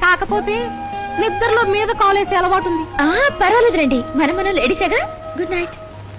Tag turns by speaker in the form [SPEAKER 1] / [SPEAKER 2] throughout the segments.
[SPEAKER 1] కాకపోతే నిద్రలో మీద కాలేసే అలవాటు ఉంది.
[SPEAKER 2] పర్వాలేదు రండి, మనం లేడీసేగా. Good night.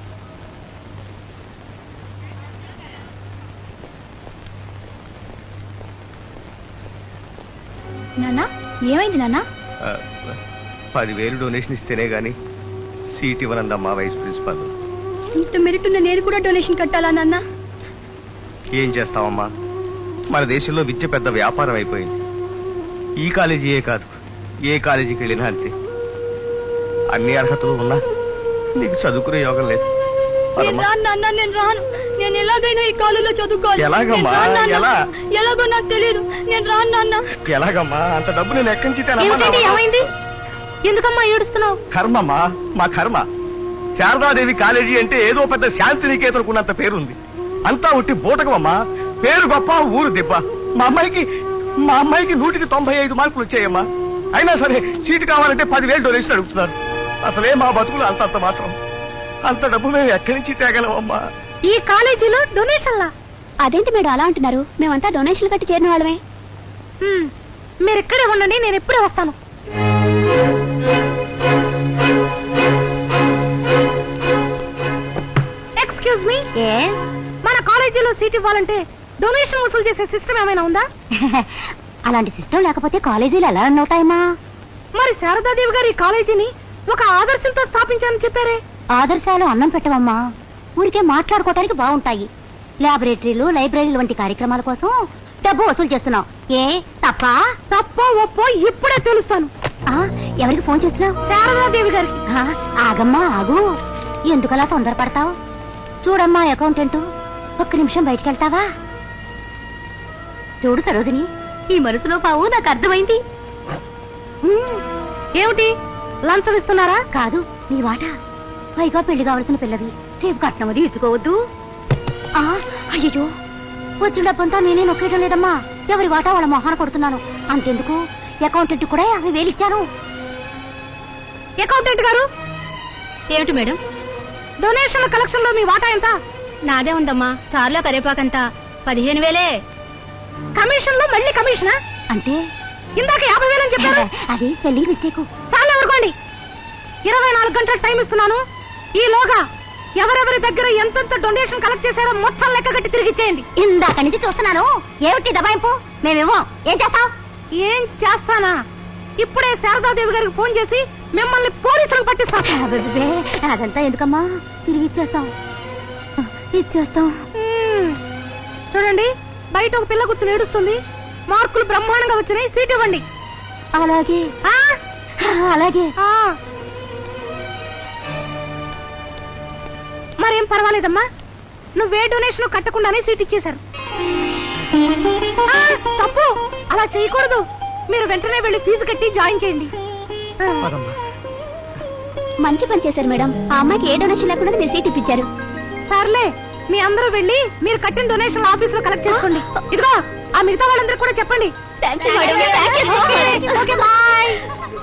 [SPEAKER 2] నాన్న, ఏమైంది నాన్న?
[SPEAKER 3] 10,000 డొనేషన్ ఇస్తేనే గాని సీట్ ఇవ్వనందమ్మా వైస్ ప్రిన్సిపాల్.
[SPEAKER 2] ఇంత మెరిట్ ఉన్న నేను కూడా డొనేషన్ కట్టాలా నాన్న?
[SPEAKER 3] ఏం చేస్తావమ్మా, మన దేశంలో విద్య పెద్ద వ్యాపారం అయిపోయింది. ఈ కాలేజీయే కాదు, ఏ కాలేజీకి వెళ్ళినా అంతే. అన్ని అర్హతలు ఉన్నా నీకు చదువుకునే యోగం లేదు. పదమ్మా.
[SPEAKER 2] నేను రాను. నేను ఎలాగైనా ఈ కాలేజీలో చదువుకోవాలి.
[SPEAKER 3] ఎలాగమ్మా? ఎలా?
[SPEAKER 2] ఎలాగో నాకు తెలియదు. నేను రాను నాన్న.
[SPEAKER 3] ఎలాగమ్మా? అంత డబ్బు నేను ఎక్కడి నుంచి తేనమ్మా?
[SPEAKER 1] ఏమిటండి, ఏమైంది? ఎందుకమ్మా ఏడుస్తున్నావు?
[SPEAKER 3] కర్మమ్మా, మా కర్మ. శారదాదేవి కాలేజీ అంటే ఏదో పెద్ద శాంతి నికేతనుకున్నంత పేరుంది. అంతా ఉట్టి బూటకమమ్మా. పేరు గొప్ప, ఊరు దిబ్బ. మా అమ్మాయికి 100కి 95 మార్కులు వచ్చాయమ్మా. అయినా సరే సీటు కావాలంటే 10,000 డొనేషన్ అడుగుతున్నారు. అసలే మా బతుకులు అంతంత మాత్రం. అంత డబ్బు మేము ఎక్కడి నుంచి తేగలమమ్మా?
[SPEAKER 1] ఈ కాలేజీలో డొనేషన్లా?
[SPEAKER 2] అదేంటి మేడం అలా అంటున్నారు? మేమంతా డొనేషన్లు కట్టి చేరిన వాళ్ళమే.
[SPEAKER 1] మీరు ఇక్కడే ఉండండి, నేను ఎప్పుడే వస్తాను. ఎక్స్క్యూజ్ మీ, మన కాలేజీలో సీట్ ఇవ్వాలంటే డొనేషన్ వసూలు చేసే సిస్టమ్ ఏమైనా ఉందా?
[SPEAKER 2] అలాంటి సిస్టమ్ లేకపోతే కాలేజీలు ఎలా రన్ అవుతాయమ్మా?
[SPEAKER 1] మరి శారదాదేవి గారు ఈ కాలేజీని ఒక ఆదర్శంతో స్థాపించారని చెప్పారే.
[SPEAKER 2] ఆదర్శాలు అన్నం పెట్టవమ్మా, ఊరికే మాట్లాడుకోవటానికి బాగుంటాయి. ల్యాబొరేటరీలు, లైబ్రరీలు వంటి కార్యక్రమాల కోసం డబ్బు వసూలు చేస్తున్నావు. ఏ
[SPEAKER 1] తప్పో ఒప్పో ఇప్పుడే తెలుస్తాను.
[SPEAKER 2] ఎవరికి ఫోన్ చేస్తున్నావు?
[SPEAKER 1] శారదాదేవి గారికి.
[SPEAKER 2] ఆగమ్మా ఆగు, ఎందుకలా తొందరపడతావు? చూడమ్మా అకౌంటెంట్, ఒక్క నిమిషం బయటికి వెళ్తావా? చూడు సరోజిని, ఈ మనసులో పావు నాకు అర్థమైంది.
[SPEAKER 1] ఏమిటి, లంచం ఇస్తున్నారా?
[SPEAKER 2] కాదు, నీ వాట. పైగా పెళ్లి కావలసిన పిల్లది, రేపు కట్నం అది ఇచ్చుకోవద్దు. అయ్యో, వచ్చిన డబ్బంతా నేనే నొక్కేయడం లేదమ్మా. ఎవరి వాటా వాళ్ళ మొహాన కొడుతున్నాను. అంతెందుకు, అకౌంటెంట్ కూడా 50,000 ఇచ్చాను.
[SPEAKER 1] అకౌంటెంట్ గారు.
[SPEAKER 2] ఏమిటి మేడం?
[SPEAKER 1] డొనేషన్ల కలెక్షన్ లో మీ వాటా ఎంత?
[SPEAKER 2] నాదే ఉందమ్మా, చార్లో కరేపాకంత 15,000.
[SPEAKER 1] కమిషన్ లో మళ్ళీ కమిషనా?
[SPEAKER 2] అంటే
[SPEAKER 1] ఇందాక 50,000 అని చెప్పారు.
[SPEAKER 2] అది స్పెల్లింగ్ మిస్టేక్.
[SPEAKER 1] చాలా ఊరుకోండి. 24 గంటల టైం ఇస్తున్నాను. ఈలోగా ఎవరెవరి దగ్గర ఎంతెంత డొనేషన్ కలెక్ట్ చేశారో మొత్తం లెక్క కట్టి తిరిగి ఇచ్చేయండి.
[SPEAKER 2] ఇందాక నుంచి చూస్తున్నాను. ఏమిటి దబాయింపు? మేమేమో ఏం చేస్తాం?
[SPEAKER 1] ఏం చేస్తానా? ఇప్పుడే శారదాదేవి గారికి ఫోన్ చేసి మిమ్మల్ని పోలీసులకు పట్టిస్తాను.
[SPEAKER 2] అబ్బబ్బే, అదంతా ఎందుకమ్మా, తిరిగి ఇచ్చేస్తాం.
[SPEAKER 1] చూడండి, బయట ఒక పిల్ల కూర్చుని ఏడుస్తుంది. మార్కులు బ్రహ్మాండంగా వచ్చినాయి, సీట్ ఇవ్వండి.
[SPEAKER 2] అలాగే అలాగే.
[SPEAKER 1] మరేం పర్వాలేదమ్మా, నువ్వే డొనేషన్ కట్టకుండానే సీట్ ఇచ్చేశారు. తప్పు, అలా చేయకూడదు. మీరు వెంటనే వెళ్ళి ఫీజు కట్టి జాయిన్ చేయండి.
[SPEAKER 2] మంచి పని చేశారు మేడం. ఆ అమ్మాయికి ఏ డొనేషన్ లేకుండా మీరు సీట్ ఇప్పించారు.
[SPEAKER 1] సర్లే, మీ అందరూ వెళ్ళి మీరు కట్టిన డొనేషన్ ఆఫీస్ లో కలెక్ట్ చేసుకోండి. ఇదిగో, ఆ మిగతా వాళ్ళందరూ కూడా చెప్పండి. Okay, bye.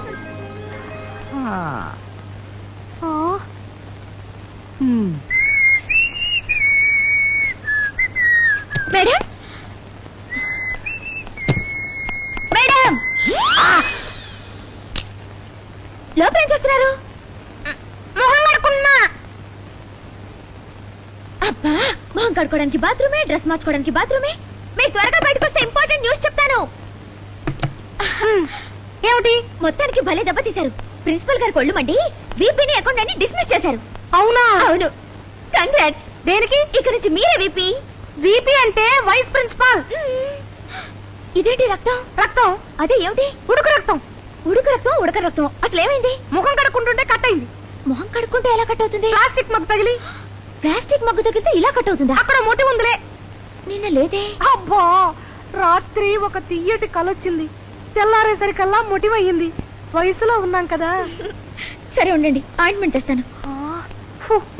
[SPEAKER 2] మేడం, మేడం, లోపల ఏం చేస్తున్నారు?
[SPEAKER 1] మొహం కడుక్కున్నా.
[SPEAKER 2] అబ్బా, మొహం కడుకోవడానికి బాత్రూమే, డ్రెస్ మార్చుకోవడానికి బాత్రూమే. మీరు త్వరగా బయటకు వస్తే ఇంపార్టెంట్ న్యూస్ చెప్తాను.
[SPEAKER 1] ఏమిటి?
[SPEAKER 2] మొత్తానికి భలే దెబ్బతీశారు. ప్రిన్సిపల్ గారు కొళ్ళు మండి వీపీని అకౌంట్ అని డిస్మిస్ చేశారు.
[SPEAKER 1] అవునా?
[SPEAKER 2] అవును. కంగ్రాట్స్.
[SPEAKER 1] దేనికి?
[SPEAKER 2] ఇక నుంచి మీరే వీపీ.
[SPEAKER 1] వీపీ అంటే వైస్ ప్రిన్సిపాల్.
[SPEAKER 2] ఇదేంటి రక్తం?
[SPEAKER 1] రక్తం?
[SPEAKER 2] అదే ఏమిటి?
[SPEAKER 1] ఉడుకు రక్తం.
[SPEAKER 2] ఉడుకు రక్తం, ఉడక రక్తం. అసలు ఏమైంది?
[SPEAKER 1] ముఖం కడుక్కుంటుంటే కట్ అయింది.
[SPEAKER 2] మొహం కడుక్కుంటే ఎలా కట్ అవుతుంది?
[SPEAKER 1] ప్లాస్టిక్ మగ్గు తగిలి.
[SPEAKER 2] ప్లాస్టిక్ మగ్గు తగిలితే ఇలా కట్ అవుతుందా?
[SPEAKER 1] అక్కడ మొటి ఉందిలే.
[SPEAKER 2] నిన్న లేదే.
[SPEAKER 1] అబ్బా, రాత్రి ఒక తియ్యటి కలొచ్చింది. తెల్లారేసరికల్లా మొటివయ్యింది. వయసులో ఉన్నాం కదా.
[SPEAKER 2] సరే ఉండండి, ఆయింట్మెంట్ తెస్తాను.
[SPEAKER 1] ఫు.